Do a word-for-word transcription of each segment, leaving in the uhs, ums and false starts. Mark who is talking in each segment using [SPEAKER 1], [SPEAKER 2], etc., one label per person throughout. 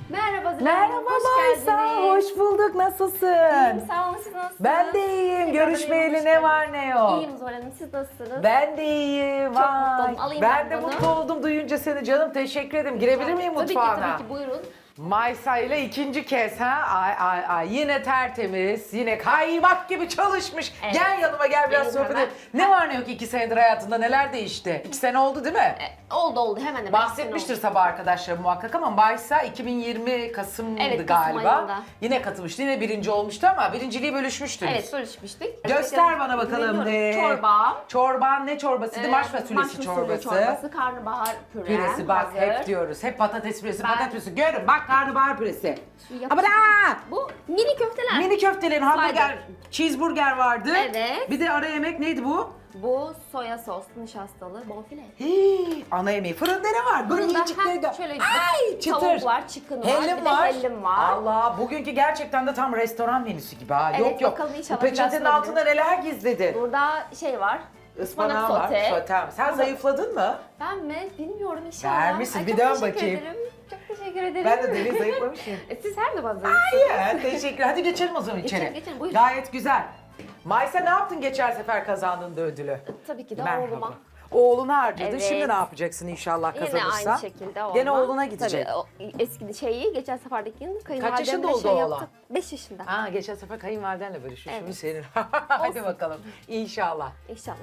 [SPEAKER 1] Merhaba Züleyha.
[SPEAKER 2] Merhaba
[SPEAKER 1] hoş
[SPEAKER 2] Maysa,
[SPEAKER 1] geldiniz.
[SPEAKER 2] hoş bulduk. Nasılsın?
[SPEAKER 1] İyiyim, sağ olun. Siz nasılsınız?
[SPEAKER 2] Ben de iyiyim.
[SPEAKER 1] Tekrar
[SPEAKER 2] Görüşmeyeli
[SPEAKER 1] hoş
[SPEAKER 2] ne
[SPEAKER 1] geldiniz.
[SPEAKER 2] var ne yok.
[SPEAKER 1] İyiyim Zuhal Hanım. Siz nasılsınız?
[SPEAKER 2] Ben de iyiyim.
[SPEAKER 1] Çok
[SPEAKER 2] Vay.
[SPEAKER 1] mutlu oldum. Alayım
[SPEAKER 2] ben
[SPEAKER 1] ben
[SPEAKER 2] de
[SPEAKER 1] bunu.
[SPEAKER 2] mutlu oldum duyunca seni canım. Teşekkür ederim. Girebilir miyim
[SPEAKER 1] Tabii ki,
[SPEAKER 2] mutfağına?
[SPEAKER 1] tabii ki. Buyurun.
[SPEAKER 2] Maysa ile ikinci kez ha. Ay ay ay. Yine tertemiz. Yine kaymak gibi çalışmış.
[SPEAKER 1] Evet.
[SPEAKER 2] Gel yanıma gel biraz
[SPEAKER 1] Benim
[SPEAKER 2] sohbet
[SPEAKER 1] hemen.
[SPEAKER 2] edelim. Ne var ne yok iki senedir hayatında neler değişti? İki sene oldu değil mi?
[SPEAKER 1] E, oldu oldu. Hemen hemen.
[SPEAKER 2] Bahsetmiştir sabah arkadaşlar muhakkak ama Maysa iki bin yirmi Kasım'dı
[SPEAKER 1] Evet, Kasım
[SPEAKER 2] galiba.
[SPEAKER 1] ayında.
[SPEAKER 2] Yine katılmıştı. Yine birinci olmuştu ama birinciliği bölüşmüştünüz.
[SPEAKER 1] Evet, bölüşmüştük.
[SPEAKER 2] Göster bana bakalım.
[SPEAKER 1] Biliyorum.
[SPEAKER 2] Ee,
[SPEAKER 1] Çorba.
[SPEAKER 2] Çorban ne çorbasıydı?
[SPEAKER 1] e,
[SPEAKER 2] Maş fasulyesi
[SPEAKER 1] maş fasulye
[SPEAKER 2] çorbası.
[SPEAKER 1] çorbası, karnabahar püre.
[SPEAKER 2] Püresi bak
[SPEAKER 1] hazır.
[SPEAKER 2] hep diyoruz. Hep patates püresi,
[SPEAKER 1] Ben-
[SPEAKER 2] patates püresi. Görün bak karnabahar püresi.
[SPEAKER 1] Yapıştır-
[SPEAKER 2] Ama da
[SPEAKER 1] Bu mini köfteler.
[SPEAKER 2] mini köftelerin hamburger, cheeseburger vardı.
[SPEAKER 1] Evet.
[SPEAKER 2] Bir de ara yemek neydi bu?
[SPEAKER 1] Bu soya sos, nişastalı, bonfile.
[SPEAKER 2] Hii, ana yemeği. Fırında ne var? Böyle
[SPEAKER 1] Fırında,
[SPEAKER 2] yiyecekleri de.
[SPEAKER 1] ha, şöyle
[SPEAKER 2] Ay çıtır.
[SPEAKER 1] tavuk var, chicken var,
[SPEAKER 2] Hellim
[SPEAKER 1] bir de
[SPEAKER 2] var.
[SPEAKER 1] hellim var.
[SPEAKER 2] Allah bugünkü gerçekten de tam restoran menüsü gibi ha.
[SPEAKER 1] Evet,
[SPEAKER 2] yok yok.
[SPEAKER 1] bakalım inşallah
[SPEAKER 2] Bu peçetenin
[SPEAKER 1] biraz
[SPEAKER 2] altında neler gizledin?
[SPEAKER 1] Burada şey var.
[SPEAKER 2] Ispanak var,
[SPEAKER 1] sote.
[SPEAKER 2] sotem. Sen zayıfladın mı?
[SPEAKER 1] Ben mi? Bilmiyorum inşallah.
[SPEAKER 2] Vermişsin,
[SPEAKER 1] Ay,
[SPEAKER 2] bir
[SPEAKER 1] çok
[SPEAKER 2] dön
[SPEAKER 1] teşekkür
[SPEAKER 2] bakayım.
[SPEAKER 1] Ederim. Çok teşekkür ederim.
[SPEAKER 2] Ben de deli zayıflamışım.
[SPEAKER 1] E, Siz her zaman zayıfsınız.
[SPEAKER 2] Ya, teşekkür. Hadi geçelim o zaman içeri.
[SPEAKER 1] Geçelim, geçelim, buyurun.
[SPEAKER 2] Gayet güzel. Maysa ne yaptın geçen sefer kazandığında ödülü?
[SPEAKER 1] Tabii ki de
[SPEAKER 2] Merhaba.
[SPEAKER 1] oğluma.
[SPEAKER 2] Oğluna harcadın.
[SPEAKER 1] Evet.
[SPEAKER 2] Şimdi ne yapacaksın inşallah
[SPEAKER 1] Yine
[SPEAKER 2] kazanırsa?
[SPEAKER 1] aynı şekilde oğluma.
[SPEAKER 2] Gene oğluna gidecek.
[SPEAKER 1] Tabii o eski şeyi geçen seferdeki yıl kayınvalidemle
[SPEAKER 2] yaşında oldu
[SPEAKER 1] şey
[SPEAKER 2] oğlan?
[SPEAKER 1] yaptık. beş yaşında.
[SPEAKER 2] Ha geçen sefer kayınvalidenle bölüşmüş. Şimdi
[SPEAKER 1] Evet.
[SPEAKER 2] senin. Hadi
[SPEAKER 1] Olsun.
[SPEAKER 2] bakalım. İnşallah.
[SPEAKER 1] İnşallah.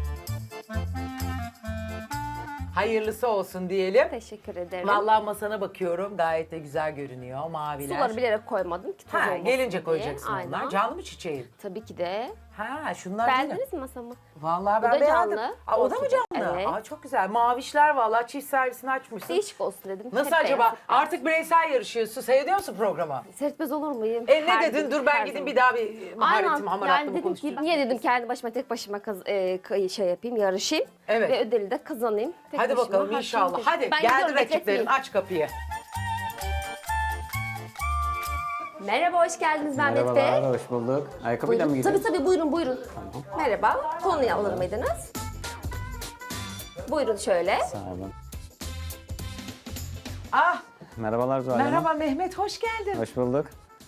[SPEAKER 2] Hayırlısı olsun diyelim.
[SPEAKER 1] Teşekkür ederim.
[SPEAKER 2] Vallahi masana bakıyorum. Gayet de güzel görünüyor. Maviler.
[SPEAKER 1] Suları bilerek koymadım ki toz
[SPEAKER 2] Ha,
[SPEAKER 1] olmasın
[SPEAKER 2] gelince
[SPEAKER 1] diye.
[SPEAKER 2] koyacaksın
[SPEAKER 1] Aynen.
[SPEAKER 2] onlar. Canlı mı çiçeğin?
[SPEAKER 1] Tabii ki de.
[SPEAKER 2] Ha şunlar değil mi?
[SPEAKER 1] Beğendiniz mi masamı?
[SPEAKER 2] Vallahi
[SPEAKER 1] Bu
[SPEAKER 2] ben
[SPEAKER 1] da
[SPEAKER 2] beğendim.
[SPEAKER 1] canlı.
[SPEAKER 2] Aa, o da mı
[SPEAKER 1] Olsun.
[SPEAKER 2] canlı?
[SPEAKER 1] Evet.
[SPEAKER 2] Aa, çok güzel. Mavişler vallahi çift servisini açmışsın.
[SPEAKER 1] Değişik olsun dedim.
[SPEAKER 2] Nasıl
[SPEAKER 1] Hep
[SPEAKER 2] acaba?
[SPEAKER 1] beyaz, hep beyaz.
[SPEAKER 2] Artık bireysel yarışıyorsun. Seyrediyor musun programı?
[SPEAKER 1] Seyretmez olur muyum?
[SPEAKER 2] E ne
[SPEAKER 1] Her
[SPEAKER 2] dedin?
[SPEAKER 1] gün,
[SPEAKER 2] Dur ben
[SPEAKER 1] her
[SPEAKER 2] gideyim
[SPEAKER 1] zaman.
[SPEAKER 2] bir daha bir maharetim,
[SPEAKER 1] Aynen.
[SPEAKER 2] hamaratımı
[SPEAKER 1] Yani dedim
[SPEAKER 2] konuşayım.
[SPEAKER 1] ki niye dedim kendi başıma tek başıma kaz- e, kay- şey yapayım, yarışayım.
[SPEAKER 2] Evet.
[SPEAKER 1] Ve ödülü de kazanayım. Tek
[SPEAKER 2] Hadi
[SPEAKER 1] başıma
[SPEAKER 2] bakalım
[SPEAKER 1] harçlığımı
[SPEAKER 2] inşallah.
[SPEAKER 1] tek-
[SPEAKER 2] Hadi
[SPEAKER 1] Ben
[SPEAKER 2] geldi
[SPEAKER 1] gidiyorum,
[SPEAKER 2] rakiplerin.
[SPEAKER 1] bekletmeyeyim.
[SPEAKER 2] Aç kapıyı.
[SPEAKER 1] Merhaba, hoş geldiniz Mehmet Bey.
[SPEAKER 3] Merhabalar, hoş bulduk. Ayakkabıyla mı
[SPEAKER 1] Buyurun.
[SPEAKER 3] gidiyoruz?
[SPEAKER 1] Tabii tabii buyurun buyurun. Merhaba. Konuyu alır mıydınız? Buyurun şöyle.
[SPEAKER 3] Sağ olun.
[SPEAKER 2] Ah
[SPEAKER 3] Merhabalar Zuhal Hanım.
[SPEAKER 2] merhaba Mehmet hoş geldin.
[SPEAKER 3] Hoş bulduk.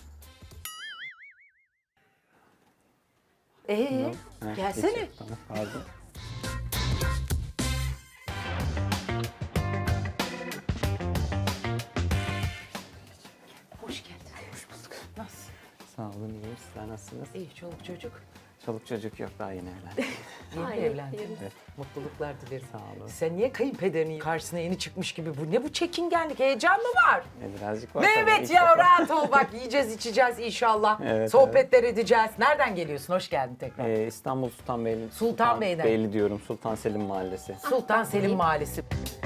[SPEAKER 2] Ee,
[SPEAKER 3] Heh,
[SPEAKER 2] gelsene.
[SPEAKER 3] geçiyor. Tamam, pardon.
[SPEAKER 2] Hoş geldin. Hoş bulduk. Nasıl?
[SPEAKER 3] Sağ olun, iyiyim. Sizler nasılsınız?
[SPEAKER 2] İyi çoluk çocuk.
[SPEAKER 3] Çoluk çocuk yok, daha yeni evlendim.
[SPEAKER 2] Yeni
[SPEAKER 1] Ay,
[SPEAKER 2] evlendin.
[SPEAKER 1] yeni.
[SPEAKER 3] Evet.
[SPEAKER 2] Mutluluklar dilerim.
[SPEAKER 3] Sağ olun.
[SPEAKER 2] Sen niye kayınpederinin karşısına yeni çıkmış gibi bu? Ne bu çekingenlik? Heyecan mı var?
[SPEAKER 3] E, birazcık var tabii,
[SPEAKER 2] Mehmet
[SPEAKER 3] ilk
[SPEAKER 2] ya
[SPEAKER 3] defa.
[SPEAKER 2] rahat ol bak yiyeceğiz içeceğiz inşallah.
[SPEAKER 3] Evet,
[SPEAKER 2] Sohbetler edeceğiz. Nereden geliyorsun? Hoş geldin tekrar.
[SPEAKER 3] Ee, İstanbul Sultanbeyli.
[SPEAKER 2] Sultanbeyli'den.
[SPEAKER 3] Beyli diyorum, Sultan Selim Mahallesi.
[SPEAKER 2] Sultan Selim Mahallesi.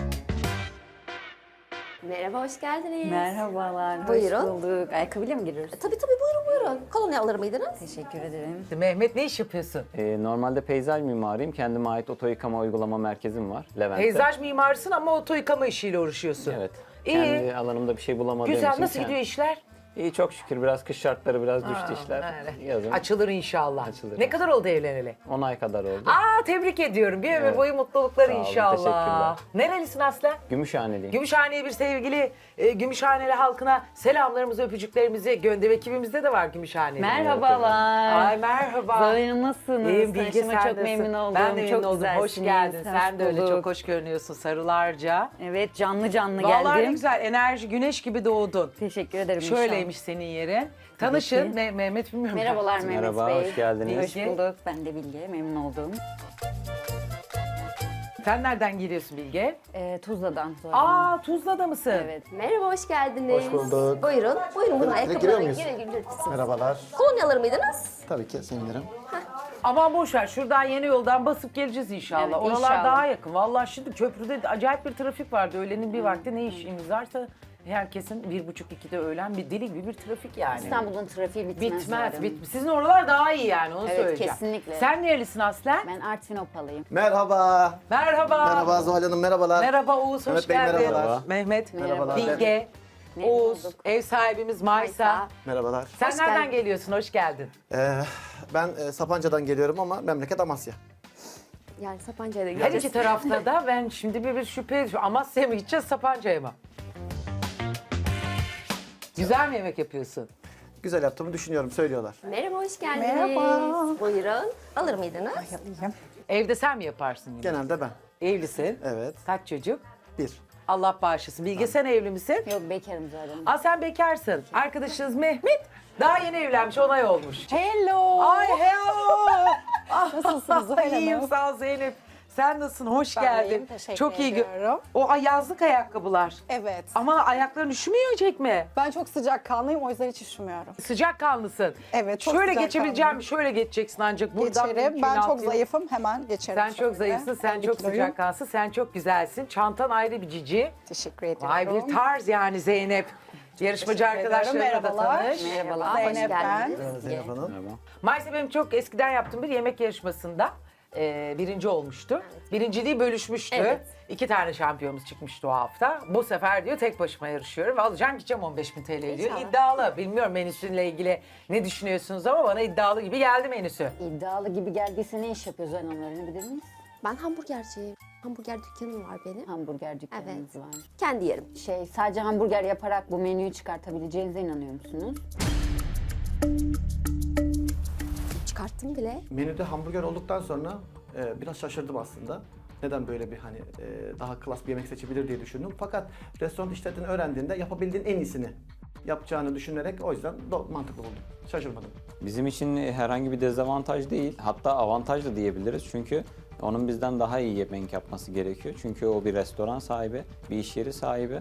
[SPEAKER 1] Merhaba, hoş geldiniz.
[SPEAKER 4] Merhabalar,
[SPEAKER 1] Buyurun.
[SPEAKER 4] hoş bulduk. Ayakkabıyla mı giriyoruz?
[SPEAKER 1] E, Tabii tabii buyurun buyurun. Kolonya alır mıydınız?
[SPEAKER 4] Teşekkür ederim.
[SPEAKER 2] Mehmet ne iş yapıyorsun?
[SPEAKER 3] Ee, normalde peyzaj mimariyim. Kendime ait oto yıkama uygulama merkezim var Levent'te.
[SPEAKER 2] Peyzaj mimarsın ama oto yıkama işiyle uğraşıyorsun.
[SPEAKER 3] Evet.
[SPEAKER 2] İyi.
[SPEAKER 3] Kendi alanımda bir şey bulamadığım
[SPEAKER 2] Güzel.
[SPEAKER 3] için.
[SPEAKER 2] Nasıl
[SPEAKER 3] kend-
[SPEAKER 2] gidiyor işler?
[SPEAKER 3] İyi, çok şükür. Biraz kış şartları biraz düştü
[SPEAKER 2] Aa,
[SPEAKER 3] işler.
[SPEAKER 2] öyle.
[SPEAKER 3] Yazın
[SPEAKER 2] Açılır inşallah.
[SPEAKER 3] Açılır.
[SPEAKER 2] Ne kadar oldu evleneli?
[SPEAKER 3] on ay kadar oldu.
[SPEAKER 2] Aa tebrik ediyorum. Bir ömür
[SPEAKER 3] Evet.
[SPEAKER 2] boyu mutluluklar
[SPEAKER 3] Sağ olun,
[SPEAKER 2] inşallah.
[SPEAKER 3] teşekkürler.
[SPEAKER 2] Nerelisin Aslen?
[SPEAKER 3] Gümüşhaneliyim.
[SPEAKER 2] Gümüşhane'ye bir sevgili e, Gümüşhaneli halkına selamlarımızı, öpücüklerimizi gönder. Ekibimizde de var Gümüşhaneli.
[SPEAKER 4] Merhabalar.
[SPEAKER 2] Ay merhaba.
[SPEAKER 4] Zuhal Hanım, nasılsınız?
[SPEAKER 2] İyiyim Bilge,
[SPEAKER 4] Tanıştığıma
[SPEAKER 2] sen
[SPEAKER 4] çok
[SPEAKER 2] nasılsın?
[SPEAKER 4] memnun oldum.
[SPEAKER 2] Ben de memnun
[SPEAKER 4] çok
[SPEAKER 2] oldum. Hoş
[SPEAKER 4] güzelsiniz.
[SPEAKER 2] geldin.
[SPEAKER 4] Hoş
[SPEAKER 2] Sen de öyle
[SPEAKER 4] bulduk.
[SPEAKER 2] çok hoş görünüyorsun sarılarca.
[SPEAKER 4] Evet, canlı canlı
[SPEAKER 2] Vallahi ne
[SPEAKER 4] geldim.
[SPEAKER 2] güzel enerji, güneş gibi doğdun.
[SPEAKER 4] Teşekkür ederim.
[SPEAKER 2] Şöyleymiş senin yerin. Tanışın.
[SPEAKER 4] ki.
[SPEAKER 2] Me- Mehmet bilmiyorum.
[SPEAKER 4] inşallah. Merhabalar Mehmet
[SPEAKER 3] Merhaba,
[SPEAKER 4] Bey.
[SPEAKER 3] hoş geldiniz.
[SPEAKER 4] Hoş bulduk. Ben de Bilge, memnun oldum.
[SPEAKER 2] Sen nereden geliyorsun Bilge?
[SPEAKER 4] Ee, Tuzla'dan Zuhal Hanım.
[SPEAKER 2] Aa Tuzla'da mısın?
[SPEAKER 4] Evet.
[SPEAKER 1] Merhaba, hoş geldiniz.
[SPEAKER 5] Hoş bulduk.
[SPEAKER 1] Buyurun, buyurun. Buyurun,
[SPEAKER 5] giriyor
[SPEAKER 1] ayakkabıları
[SPEAKER 5] muyuz?
[SPEAKER 1] girin, girebilirsiniz.
[SPEAKER 5] Merhabalar.
[SPEAKER 1] Kolonya alır mıydınız?
[SPEAKER 5] Tabii ki sevinirim.
[SPEAKER 2] Aman boş ver. Şuradan yeni yoldan basıp geleceğiz inşallah.
[SPEAKER 4] Evet,
[SPEAKER 2] Oralar
[SPEAKER 4] inşallah.
[SPEAKER 2] daha yakın. Vallahi şimdi köprüde acayip bir trafik vardı. Öğlenin bir vakti ne işimiz varsa herkesin bir buçuk ikide öğlen bir deli gibi bir trafik yani.
[SPEAKER 4] İstanbul'un trafiği bitmez. Zuhal
[SPEAKER 2] Bitmez,
[SPEAKER 4] Hanım.
[SPEAKER 2] bitmez. Sizin oralar daha iyi yani onu
[SPEAKER 4] Evet,
[SPEAKER 2] söyleyeceğim.
[SPEAKER 4] kesinlikle.
[SPEAKER 2] Sen nerelisin Aslen?
[SPEAKER 4] Ben Artvin Opalıyım.
[SPEAKER 5] Merhaba.
[SPEAKER 2] Merhaba.
[SPEAKER 5] Merhaba Zuhal Hanım, merhabalar.
[SPEAKER 2] Merhaba Oğuz, hoş
[SPEAKER 5] Mehmet Bey,
[SPEAKER 2] geldin.
[SPEAKER 5] merhabalar.
[SPEAKER 2] Mehmet,
[SPEAKER 5] Merhabalar.
[SPEAKER 2] Bilge,
[SPEAKER 4] Memnun
[SPEAKER 2] Oğuz,
[SPEAKER 4] olduk.
[SPEAKER 2] ev sahibimiz Maysa.
[SPEAKER 1] Maysa.
[SPEAKER 5] Merhabalar.
[SPEAKER 2] Sen
[SPEAKER 1] Hoş
[SPEAKER 2] nereden
[SPEAKER 1] geldin.
[SPEAKER 2] geliyorsun? Hoş geldin.
[SPEAKER 5] Ee, ben e, Sapanca'dan geliyorum ama memleket Amasya.
[SPEAKER 1] Yani Sapanca'ya da
[SPEAKER 2] Her
[SPEAKER 1] gideceğiz.
[SPEAKER 2] iki tarafta da ben şimdi bir, bir şüphe ediyorum. Amasya'ya mı gideceğiz, Sapanca'ya mı? Güzel mi yemek yapıyorsun?
[SPEAKER 5] Güzel yaptığımı düşünüyorum, söylüyorlar.
[SPEAKER 1] Merhaba, hoş geldiniz.
[SPEAKER 6] Merhaba.
[SPEAKER 1] Buyurun. Alır mıydınız?
[SPEAKER 6] Yapayım.
[SPEAKER 2] Evde sen mi yaparsın yemek?
[SPEAKER 5] Genelde ben.
[SPEAKER 2] Evlisin.
[SPEAKER 5] Evet.
[SPEAKER 2] Kaç çocuk?
[SPEAKER 5] Bir.
[SPEAKER 2] Allah bağışlasın. Bilge sen evli misin?
[SPEAKER 4] Yok bekarım zaten.
[SPEAKER 2] Aa sen bekarsın. Arkadaşınız Mehmet daha yeni evlenmiş, onay olmuş.
[SPEAKER 6] Hello.
[SPEAKER 2] Ay hello.
[SPEAKER 6] Nasılsınız Zuhal Hanım?
[SPEAKER 2] İyiyim sağ ol Zeynep. Sen nasılsın? Hoş
[SPEAKER 6] Ben
[SPEAKER 2] geldin.
[SPEAKER 6] iyiyim, teşekkür
[SPEAKER 2] Çok iyi. gö-
[SPEAKER 6] ediyorum.
[SPEAKER 2] O ay- yazlık ayakkabılar.
[SPEAKER 6] Evet.
[SPEAKER 2] Ama ayakların üşümeyecek mi?
[SPEAKER 6] Ben çok sıcakkanlıyım, o yüzden hiç üşümüyorum.
[SPEAKER 2] Sıcak kanlısın.
[SPEAKER 6] Evet, çok
[SPEAKER 2] Şöyle
[SPEAKER 6] sıcakkanlıyım.
[SPEAKER 2] geçebileceğim mi? Şöyle geçeceksin ancak buradan.
[SPEAKER 6] Geçerim.
[SPEAKER 2] mümkün
[SPEAKER 6] Ben çok
[SPEAKER 2] altı-
[SPEAKER 6] zayıfım, hemen geçerim.
[SPEAKER 2] Sen çok
[SPEAKER 6] şöyle.
[SPEAKER 2] zayıfsın, sen
[SPEAKER 6] elli
[SPEAKER 2] çok
[SPEAKER 6] kiloyum.
[SPEAKER 2] sıcak kansın, sen çok güzelsin. Çantan ayrı bir cici.
[SPEAKER 6] Teşekkür ediyorum.
[SPEAKER 2] Vay bir tarz yani Zeynep. Yarışmacı
[SPEAKER 6] Teşekkür ederim,
[SPEAKER 2] arkadaşlarına da
[SPEAKER 6] merhabalar.
[SPEAKER 2] tanış.
[SPEAKER 4] Merhabalar.
[SPEAKER 6] Zeynep ben.
[SPEAKER 1] geldiniz.
[SPEAKER 5] Merhaba Zeynep Hanım.
[SPEAKER 2] Maalesef benim çok eskiden yaptığım bir yemek yarışmasında e, birinci olmuştu. Birinciliği bölüşmüştü.
[SPEAKER 1] Evet.
[SPEAKER 2] İki tane şampiyonumuz çıkmıştı o hafta. Bu sefer diyor tek başıma yarışıyorum ve alacağım gideceğim on beş bin T L diyor.
[SPEAKER 1] İnşallah.
[SPEAKER 2] İddialı. Bilmiyorum menüsüyle ilgili ne düşünüyorsunuz ama bana iddialı gibi geldi menüsü.
[SPEAKER 4] İddialı gibi geldiyse ne iş yapıyor Zuhal Hanım öğrenebilir miyiz?
[SPEAKER 1] Ben hamburgerciyim. Hamburger dükkanım var benim.
[SPEAKER 4] Hamburger dükkanınız
[SPEAKER 1] Evet.
[SPEAKER 4] var.
[SPEAKER 1] Kendi yerim.
[SPEAKER 4] Şey sadece hamburger yaparak bu menüyü çıkartabileceğinize inanıyor musunuz?
[SPEAKER 1] Çıkarttım bile.
[SPEAKER 5] Menüde hamburger olduktan sonra e, biraz şaşırdım aslında. Neden böyle bir hani e, daha klas bir yemek seçebilir diye düşündüm. Fakat restoran işlettiğini öğrendiğinde yapabildiğin en iyisini yapacağını düşünerek o yüzden do- mantıklı buldum. Şaşırmadım.
[SPEAKER 3] Bizim için herhangi bir dezavantaj değil, hatta avantaj da diyebiliriz. Çünkü onun bizden daha iyi yemek yapması gerekiyor. Çünkü o bir restoran sahibi, bir iş yeri sahibi.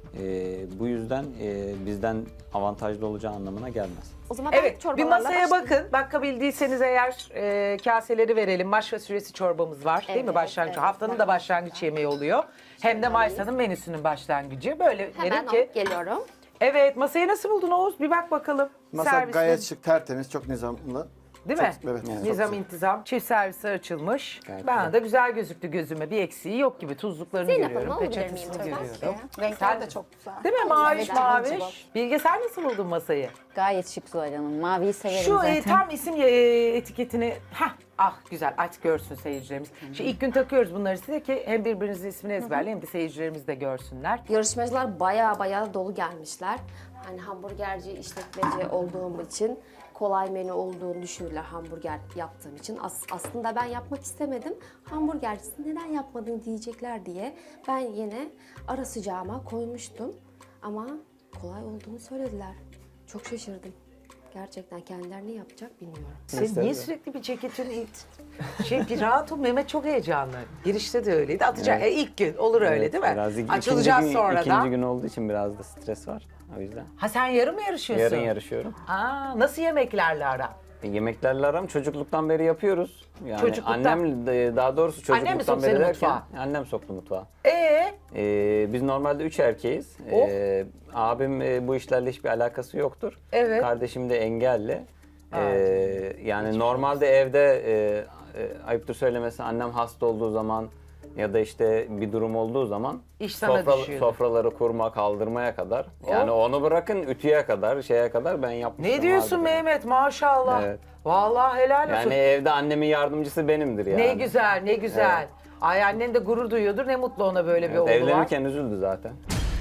[SPEAKER 3] Ee, bu yüzden e, bizden avantajlı olacağı anlamına gelmez.
[SPEAKER 1] O zaman ben
[SPEAKER 2] Evet, bir
[SPEAKER 1] çorbalarla
[SPEAKER 2] masaya
[SPEAKER 1] başlayayım.
[SPEAKER 2] bakın. Bakabildiyseniz eğer e, kaseleri verelim. Maş fasulyesi çorbamız var değil mi
[SPEAKER 1] Evet,
[SPEAKER 2] başlangıç?
[SPEAKER 1] evet.
[SPEAKER 2] Haftanın da başlangıç yemeği oluyor. Hem de Maysa'nın menüsünün başlangıcı. Böyle
[SPEAKER 1] Hemen
[SPEAKER 2] derim ki.
[SPEAKER 1] alıp geliyorum.
[SPEAKER 2] Evet, masayı nasıl buldun Oğuz? Bir bak bakalım.
[SPEAKER 5] Masa
[SPEAKER 2] Servisle-
[SPEAKER 5] gayet şık, tertemiz, çok nizamlı.
[SPEAKER 2] Değil
[SPEAKER 5] Çok-
[SPEAKER 2] mi?
[SPEAKER 5] evet, çok
[SPEAKER 2] Nizam
[SPEAKER 5] güzel.
[SPEAKER 2] intizam. Çift servisi açılmış.
[SPEAKER 3] Gayet
[SPEAKER 2] Bana
[SPEAKER 3] güzel.
[SPEAKER 2] da güzel gözüktü gözüme. Bir eksiği yok gibi. Tuzluklarını
[SPEAKER 1] Zeynep
[SPEAKER 2] görüyorum.
[SPEAKER 1] Hanım, alabilir miyim
[SPEAKER 2] Peçetesini
[SPEAKER 1] lütfen?
[SPEAKER 2] görüyorum.
[SPEAKER 6] Renkler
[SPEAKER 2] Sen-
[SPEAKER 6] de çok güzel.
[SPEAKER 2] Değil mi? Maviş
[SPEAKER 6] Evet,
[SPEAKER 2] maviş.
[SPEAKER 6] cıvıl.
[SPEAKER 2] Bilge sen nasıl buldun masayı?
[SPEAKER 4] Gayet şık Zuhal Hanım. Maviyi severim
[SPEAKER 2] Şu
[SPEAKER 4] zaten.
[SPEAKER 2] e, tam isim e, etiketini, hah ah güzel aç görsün seyircilerimiz. Şu ilk gün takıyoruz bunları size ki hem birbirinizin ismini ezberleyin hem de seyircilerimiz de görsünler.
[SPEAKER 1] Yarışmacılar baya baya dolu gelmişler. Hani hamburgerci, işletmeci olduğum için kolay menü olduğunu düşünürler hamburger yaptığım için. As- aslında ben yapmak istemedim. Hamburgercisin neden yapmadın diyecekler diye ben yine ara sıcağıma koymuştum. Ama kolay olduğunu söylediler. Çok şaşırdım. Gerçekten kendileri ne yapacak bilmiyorum.
[SPEAKER 2] Sen niye sürekli bir ceketin it? Şey bir rahat ol, Mehmet çok heyecanlı. Girişte de öyleydi. Atacak
[SPEAKER 3] Evet.
[SPEAKER 2] e, ilk gün olur öyle
[SPEAKER 3] Evet,
[SPEAKER 2] değil mi?
[SPEAKER 3] Biraz ik-
[SPEAKER 2] Açılacağız
[SPEAKER 3] ikinci gün,
[SPEAKER 2] sonra
[SPEAKER 3] ikinci
[SPEAKER 2] da.
[SPEAKER 3] gün olduğu için biraz da stres var. O yüzden.
[SPEAKER 2] Ha sen yarın mı yarışıyorsun?
[SPEAKER 3] Yarın yarışıyorum.
[SPEAKER 2] Aa, nasıl yemeklerle ara?
[SPEAKER 3] E, Yemeklerle aram çocukluktan beri yapıyoruz. Yani
[SPEAKER 2] Çocukluktan.
[SPEAKER 3] annem de- daha doğrusu
[SPEAKER 2] Annem mi
[SPEAKER 3] çocukluktan
[SPEAKER 2] soktu
[SPEAKER 3] beri
[SPEAKER 2] seni
[SPEAKER 3] derken
[SPEAKER 2] mutfağa?
[SPEAKER 3] annem soktu mutfağa.
[SPEAKER 2] Ee,
[SPEAKER 3] Ee, biz normalde üç erkeğiz.
[SPEAKER 2] Oh.
[SPEAKER 3] Ee, abim e, bu işlerle hiçbir alakası yoktur.
[SPEAKER 2] Evet.
[SPEAKER 3] Kardeşim de engelli. Ee,
[SPEAKER 2] Evet.
[SPEAKER 3] yani normalde evde e, e, ayıptır söylemesi annem hasta olduğu zaman ya da işte bir durum olduğu zaman
[SPEAKER 2] İş sana düşüyordu.
[SPEAKER 3] sofraları kurma, kaldırmaya kadar. Yani onu bırakın ütüye kadar, şeye kadar ben yapmıştım.
[SPEAKER 2] ne diyorsun
[SPEAKER 3] vardır yani.
[SPEAKER 2] Mehmet maşallah.
[SPEAKER 3] Evet.
[SPEAKER 2] Vallahi helal olsun.
[SPEAKER 3] Yani evde annemin yardımcısı benimdir yani.
[SPEAKER 2] Ne güzel, ne güzel.
[SPEAKER 3] Evet.
[SPEAKER 2] Ay annen de gurur duyuyordur. Ne mutlu ona böyle bir
[SPEAKER 3] Evet,
[SPEAKER 2] oğlu var.
[SPEAKER 3] evlenirken üzüldü zaten.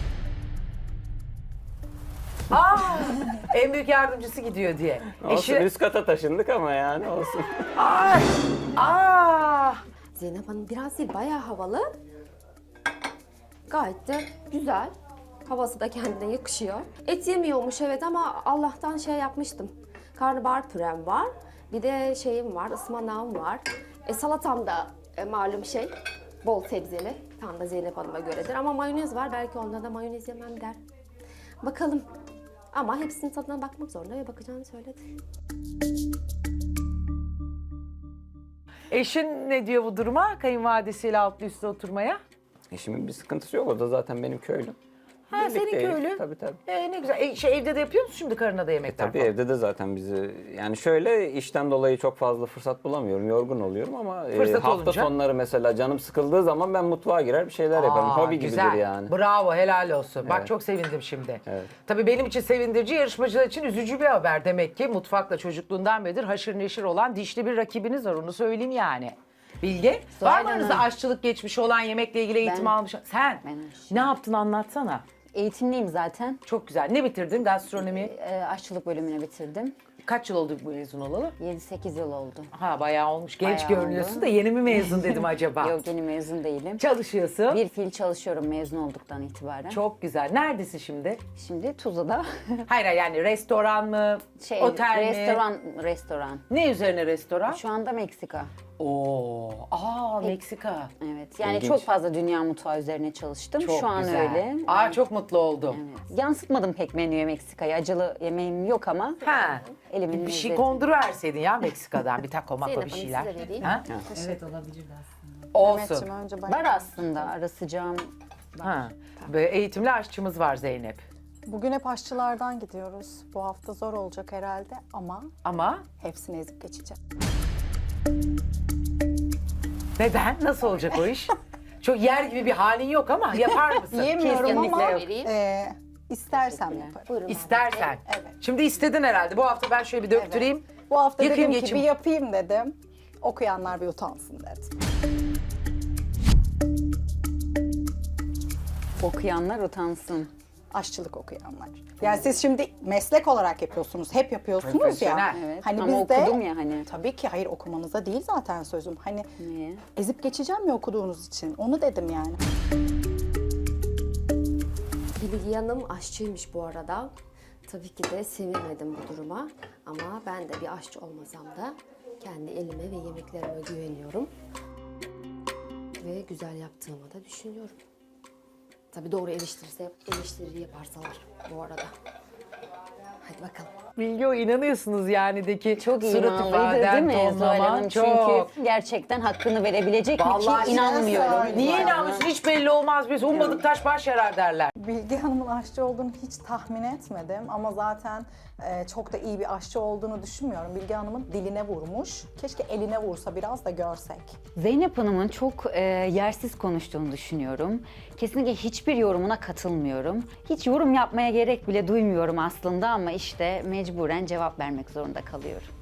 [SPEAKER 2] Aa, en büyük yardımcısı gidiyor diye.
[SPEAKER 3] Olsun
[SPEAKER 2] Eşi...
[SPEAKER 3] üst kata taşındık ama yani olsun.
[SPEAKER 2] Ay, aa.
[SPEAKER 1] Zeynep Hanım biraz değil bayağı havalı. Gayet de güzel. Havası da kendine yakışıyor. Et yemiyormuş evet ama Allah'tan şey yapmıştım. Karnabahar pürem var. Bir de şeyim var, ıspanağım var. E, salatam da e, malum şey, bol sebzeli. Tam da Zeynep Hanım'a göredir. Ama mayonez var, belki onda da mayonez yemem der. Bakalım. Ama hepsinin tadına bakmak zorunda ve bakacağını söyledi.
[SPEAKER 2] Eşin ne diyor bu duruma? Kayınvalidesiyle altlı üstte oturmaya.
[SPEAKER 3] Eşimin bir sıkıntısı yok. O da zaten benim köylüm.
[SPEAKER 2] Ha senin
[SPEAKER 3] Birlikteyiz.
[SPEAKER 2] köylü.
[SPEAKER 3] Tabii tabii.
[SPEAKER 2] Ee, ne güzel. E, şey, evde de yapıyor musun şimdi karına da yemekler
[SPEAKER 3] Tabii
[SPEAKER 2] falan?
[SPEAKER 3] evde de zaten bizi yani şöyle işten dolayı çok fazla fırsat bulamıyorum. Yorgun oluyorum ama e,
[SPEAKER 2] Fırsat
[SPEAKER 3] hafta
[SPEAKER 2] olunca?
[SPEAKER 3] sonları mesela canım sıkıldığı zaman ben mutfağa girer bir şeyler yaparım.
[SPEAKER 2] Aa,
[SPEAKER 3] Hobi
[SPEAKER 2] güzel.
[SPEAKER 3] gibidir yani.
[SPEAKER 2] Bravo, helal olsun. Bak
[SPEAKER 3] Evet.
[SPEAKER 2] çok sevindim şimdi.
[SPEAKER 3] Evet.
[SPEAKER 2] Tabii benim için sevindirici, yarışmacılar için üzücü bir haber. Demek ki mutfakla çocukluğundan beridir haşır neşir olan dişli bir rakibiniz var. Onu söyleyeyim yani. Bilge,
[SPEAKER 4] Zuhal
[SPEAKER 2] var mı aranızda
[SPEAKER 4] Hanım.
[SPEAKER 2] aşçılık geçmişi olan, yemekle ilgili eğitim
[SPEAKER 4] Ben-
[SPEAKER 2] almış? Sen
[SPEAKER 4] Ben aşçı.
[SPEAKER 2] ne yaptın anlatsana.
[SPEAKER 4] Eğitimliyim zaten.
[SPEAKER 2] Çok güzel. Ne bitirdin? Gastronomi.
[SPEAKER 4] Ee, aşçılık bölümünü bitirdim.
[SPEAKER 2] Kaç yıl oldu bu mezun olalı?
[SPEAKER 4] yedi sekiz yıl oldu.
[SPEAKER 2] Ha bayağı olmuş. Genç
[SPEAKER 4] Bayağı
[SPEAKER 2] görünüyorsun
[SPEAKER 4] oldu.
[SPEAKER 2] da yeni mi mezun dedim acaba?
[SPEAKER 4] Yok, yeni mezun değilim.
[SPEAKER 2] Çalışıyorsun.
[SPEAKER 4] Bir fiil çalışıyorum mezun olduktan itibaren.
[SPEAKER 2] Çok güzel. Neredesin şimdi?
[SPEAKER 4] Şimdi Tuzla'da
[SPEAKER 2] Hayır yani restoran mı?
[SPEAKER 4] şey,
[SPEAKER 2] otel mi?
[SPEAKER 4] restoran, restoran.
[SPEAKER 2] Ne üzerine restoran?
[SPEAKER 4] Şu anda Meksika.
[SPEAKER 2] Oo, aa Meksika.
[SPEAKER 4] Evet. Yani
[SPEAKER 3] İlginç.
[SPEAKER 4] çok fazla dünya mutfağı üzerine çalıştım.
[SPEAKER 2] Çok
[SPEAKER 4] Şu an
[SPEAKER 2] güzel.
[SPEAKER 4] öyle.
[SPEAKER 2] Aa çok mutlu oldum.
[SPEAKER 4] Evet. Yansıtmadım pek menüye Meksika'yı. Acılı yemeğim yok ama
[SPEAKER 2] Ha.
[SPEAKER 4] elimin
[SPEAKER 2] Bir şey
[SPEAKER 4] lezzeti.
[SPEAKER 2] konduruverseydin ya Meksika'dan bir taco mako
[SPEAKER 1] Zeynep
[SPEAKER 2] bir
[SPEAKER 1] Hanım,
[SPEAKER 2] şeyler.
[SPEAKER 1] size vereyim.
[SPEAKER 2] Ha?
[SPEAKER 6] Evet
[SPEAKER 2] Olsun.
[SPEAKER 6] Mehmetciğim önce ben.
[SPEAKER 4] Var aslında ara sıcağım.
[SPEAKER 2] Ha. Böyle eğitimli aşçımız var Zeynep.
[SPEAKER 6] Bugün hep aşçılardan gidiyoruz. Bu hafta zor olacak herhalde ama
[SPEAKER 2] Ama
[SPEAKER 6] hepsini ezip geçeceğim.
[SPEAKER 2] neden? Nasıl olacak o iş? Çok yer gibi bir halin yok ama yapar mısın?
[SPEAKER 6] Yiyemiyorum
[SPEAKER 4] Kesinlikle
[SPEAKER 6] ama
[SPEAKER 4] yok.
[SPEAKER 6] e, istersem
[SPEAKER 4] Teşekkürler.
[SPEAKER 6] yaparım.
[SPEAKER 1] Buyurun.
[SPEAKER 2] İstersen.
[SPEAKER 6] Evet.
[SPEAKER 2] Şimdi istedin herhalde. Bu hafta ben şöyle bir döktüreyim.
[SPEAKER 6] Bu hafta
[SPEAKER 2] Yıkayım,
[SPEAKER 6] dedim ki
[SPEAKER 2] geçeyim.
[SPEAKER 6] bir yapayım dedim. Okuyanlar bir utansın dedim.
[SPEAKER 4] Okuyanlar utansın.
[SPEAKER 6] Aşçılık okuyanlar. Yani siz şimdi meslek olarak yapıyorsunuz. Hep yapıyorsunuz
[SPEAKER 2] Profesyonel.
[SPEAKER 6] ya.
[SPEAKER 4] Evet.
[SPEAKER 6] Hani
[SPEAKER 4] ama
[SPEAKER 6] biz de
[SPEAKER 4] okudum ya hani.
[SPEAKER 6] tabii ki hayır okumanıza değil zaten sözüm. Hani
[SPEAKER 4] Niye?
[SPEAKER 6] ezip geçeceğim ya okuduğunuz için. Onu dedim yani.
[SPEAKER 1] Bilgi Hanım aşçıymış bu arada. Tabii ki de sevinmedim bu duruma. Ama ben de bir aşçı olmasam da kendi elime ve yemeklerime güveniyorum. Ve güzel yaptığımı da düşünüyorum. Tabii doğru eleştirirse, eleştiri yaparsalar bu arada. Hadi bakalım.
[SPEAKER 2] Bilgi o inanıyorsunuz yani de ki
[SPEAKER 4] Çok iyi
[SPEAKER 2] surat
[SPEAKER 4] inanmalıydı değil
[SPEAKER 2] ifaden,
[SPEAKER 4] mi Zuhal
[SPEAKER 2] tonlaman
[SPEAKER 4] Hanım?
[SPEAKER 2] çok.
[SPEAKER 4] Çünkü gerçekten hakkını verebilecek mi
[SPEAKER 2] Vallahi
[SPEAKER 4] ki inanmıyorum.
[SPEAKER 6] söyleyeyim.
[SPEAKER 2] Niye
[SPEAKER 4] Zuhal Hanım.
[SPEAKER 2] inanmıyorsun? Hiç belli olmaz. Biz ummadık taş baş yarar derler.
[SPEAKER 6] Bilge Hanım'ın aşçı olduğunu hiç tahmin etmedim ama zaten e, çok da iyi bir aşçı olduğunu düşünmüyorum. Bilge Hanım'ın diline vurmuş. Keşke eline vursa biraz da görsek.
[SPEAKER 4] Zeynep Hanım'ın çok e, yersiz konuştuğunu düşünüyorum. Kesinlikle hiçbir yorumuna katılmıyorum. Hiç yorum yapmaya gerek bile duymuyorum aslında ama işte mecburen cevap vermek zorunda kalıyorum.